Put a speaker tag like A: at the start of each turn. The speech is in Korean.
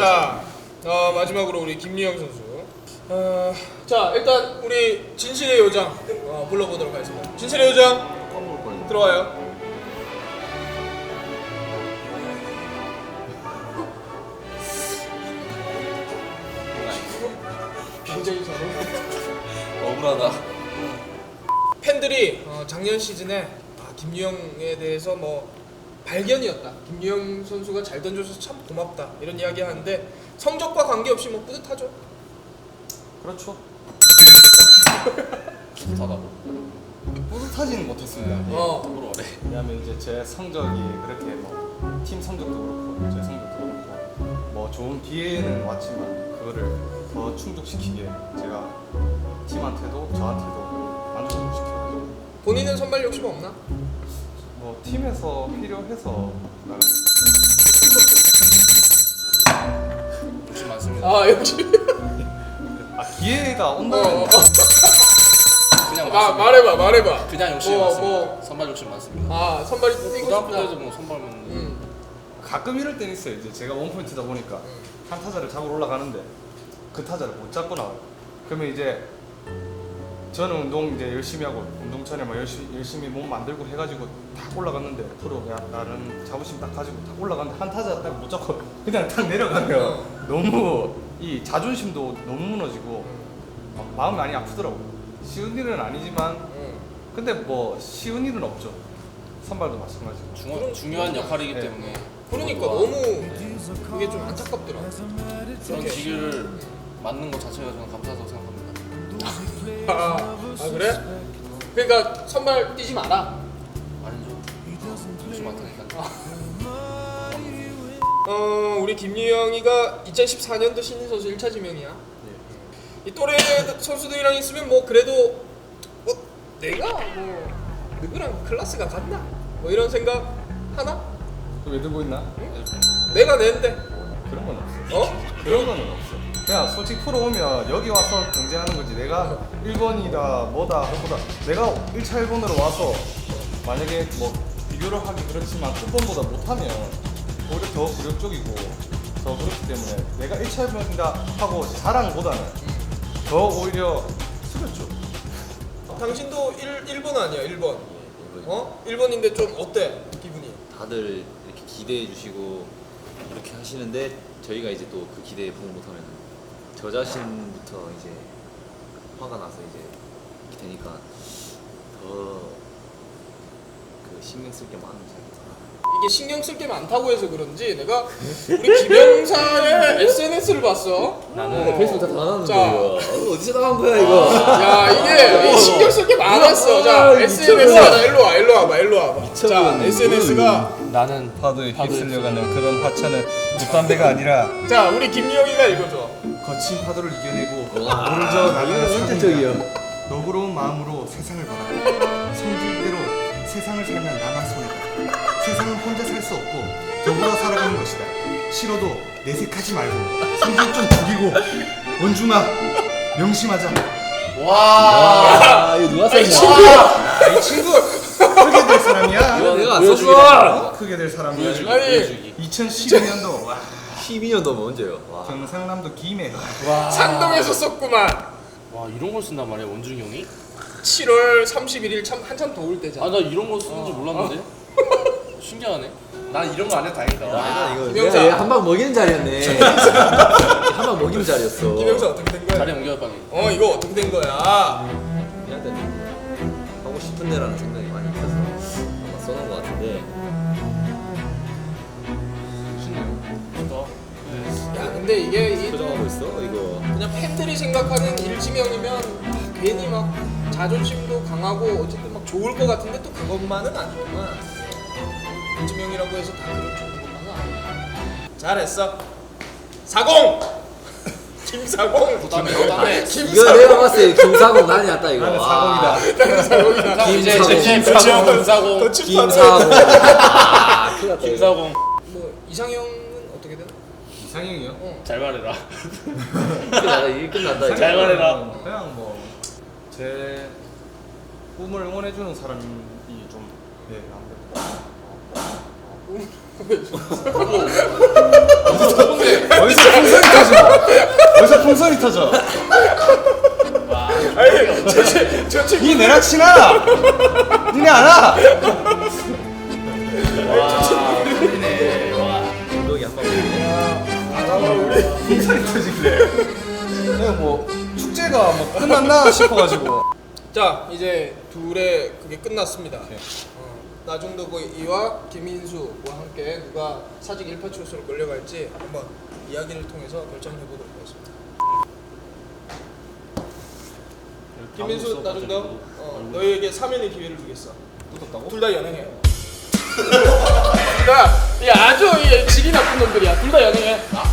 A: 자, 마지막으로 우리 김유영 선수. 자, 일단 우리 진실의 요정 불러보도록 하겠습니다. 진실의 요정 들어와요. 굉장히 잘
B: 억울하다.
A: 팬들이 작년 시즌에 김유영에 대해서 뭐 발견이었다. 김유영 선수가 잘 던져줘서 참 고맙다. 이런 이야기 하는데 성적과 관계없이 뭐 뿌듯하죠.
C: 그렇죠.
B: 좋다고.
C: 뿌듯하지는 못했습니다.
B: 억울하네.
C: 왜냐면 이제 제 성적이 그렇게 뭐 팀 성적도 그렇고 제 성적도 그렇고 뭐 좋은 기회는 왔지만 그거를 더 충족시키게 제가 팀한테도 저한테도 만족을 시켜가지고
A: 본인은 선발 욕심 없나?
C: 뭐 팀에서 필요해서 나가.
B: 욕심 많습니다.
A: 역시.
C: 기회가 온다면
B: 그냥 많습니다.
A: 말해봐.
B: 그냥 욕심 많습니다. 선발 욕심 많습니다.
A: 선발이 뛰고
B: 고등학교
A: 싶다.
B: 때도 뭐 선발만.
C: 가끔 이럴 때는 있어요. 이제 제가 원포인트다 보니까 한 타자를 잡으러 올라가는데 그 타자를 못 잡고 나와요. 그러면 이제 저는 운동 이제 열심히 하고 운동 전에 막 열심히 몸 만들고 해가지고 딱 올라갔는데 프로가 나는 자부심 딱 가지고 딱 올라갔는데 한 타자 딱 못 잡고 그냥 딱 내려가면 너무 이 자존심도 너무 무너지고 마음이 많이 아프더라고요. 쉬운 일은 아니지만 근데 뭐 쉬운 일은 없죠. 선발도 마찬가지고.
B: 중요한 역할이기 때문에.
A: 그러니까 너무 그게 좀 안타깝더라.
B: 그런 기회를 맞는 것 자체가 저는 감사하다고 생각합니다.
A: 그래? 그러니까 선발 뛰지 마라.
B: 아니죠. 욕심 많다니까.
A: 우리 김유영이가 2014년도 신인 선수 1차 지명이야. 이 또래 선수들이랑 있으면 뭐 그래도 뭐 내가 뭐 누구랑 클래스가 같나? 뭐 이런 생각 하나?
C: 왜 들고 있나?
A: 내가 낸데.
C: 그런 건 없어. 그런 거는 없어. 그냥 솔직히 프로 오면 여기 와서 경쟁하는 거지. 내가 1번이다 뭐다 하보다 내가 1차 1번으로 와서 만약에 뭐 비교를 하기 그렇지만 끝번보다 못하면 오히려 더 굴욕적이고 더 그렇기 때문에 내가 1차 1번이다 하고 자랑보다는 더 오히려 숙였죠.
A: 당신도 1번 아니야 1번. 1번인데 좀 어때 기분이?
D: 다들 이렇게 기대해 주시고 이렇게 하시는데 저희가 이제 또 그 기대에 부응 못하면 저 자신부터 이제 화가 나서 이제 이렇게 되니까 더 그 신경 쓸 게 많은지.
A: 이게 신경 쓸 게 많다고 해서 그런지 내가 우리 김영사의 SNS를 봤어.
D: 나는 페이스북 다 나가는데
A: 자.
D: 이거 어디서 나간 거야 이거?
A: 야 이게 신경 쓸 게 많았어. 자 SNS가 일로 와봐. 자 SNS가
B: 나는
C: 파도에 휩쓸려가는 그런 화차는 묵담배가 아니라
A: 자 우리 김유영이가 읽어줘.
C: 거친 파도를 이겨내고
D: 와,
C: 오르저 나가는
D: 이건
C: 사람이야.
D: 현실적이야.
C: 너그러운 마음으로 세상을 바라. 성질대로 세상을 살면 나만 손해다. 세상은 혼자 살 수 없고 더불어 살아가는 것이다. 싫어도 내색하지 말고 성질 좀 죽이고 원중아 명심하자.
D: 와, 이거 누가 썼냐?
C: 이 친구 크게 될 사람이야.
D: 이거 내가 안
B: 보여주기다.
D: 썼어.
C: 크게 될 사람이야.
A: 아니
C: 2012년도 와,
D: 12년도면 언제요? 와.
C: 경상남도 김해.
A: 산동에서 썼구만.
B: 와 이런 걸 쓴단 말이야 원준이 형이?
A: 7월 31일 참 한참 더울 때잖아.
B: 나 이런 거 쓰는지 몰랐는데. 신기하네. 난 이런 거 안 해도 다행이다.
D: 와, 이거
A: 김영사.
D: 내가 한방 먹이는 자리였네. 한방 먹이는 자리였어.
A: 김영사 어떻게 된 거야?
B: 자리 옮겨 빨리.
A: 이거 어떻게 된 거야?
D: 얘한테 하고 싶은 데라는 생각이 많이 있어서 아마 써놓은 것 같은데.
B: 신네요.
A: 야 근데 이게
D: 표정하고 있어 이거.
A: 그냥 팬들이 생각하는 일지명이면 괜히 막 자존심도 강하고 어쨌든 막 좋을 것 같은데 또 그것만은 아니구만. 일지명이라고 해서 다 그런 좋은 것만은 아니야. 잘했어. 40! 김사공!
B: 부담해.
D: 이거 내가 봤을 때 김사공 난리 났다 이거.
C: 나는
D: 와.
C: 사공이다.
B: 이제
D: 김사공.
B: 김사공.
A: 더 칩하네.
D: 김사공. 아, 큰일 났다, 이거.
B: 김사공.
A: 뭐 이상형은 어떻게 되나?
C: 이상형이요?
B: 잘 말해라.
D: 끝났다 이게 끝났다 이거.
B: 잘 말해라.
C: 그냥 뭐 제 꿈을 응원해주는 사람이 좀 아무래도 어디서 풍선이 터져. 벌써 풍선이 터져.
A: 아니 저 친구
C: 니 내랑 친하나? 니네 알아?
D: 감독이 한번 보네.
C: 풍선이 터지길래. 내가 뭐 축제가 뭐 끝났나 싶어가지고.
A: 자 이제 둘의 그게 끝났습니다. 나중도이와 김인수와 함께 누가 사직 1파출소로 끌려갈지 한번 이야기를 통해서 결정해 보도록 하겠습니다. 김인수 나중도 너희에게 사면의 기회를 주겠어.
C: 뜯었다고?
A: 둘 다 연행해. 야 아주 질이 나쁜 놈들이야. 둘 다 연행해.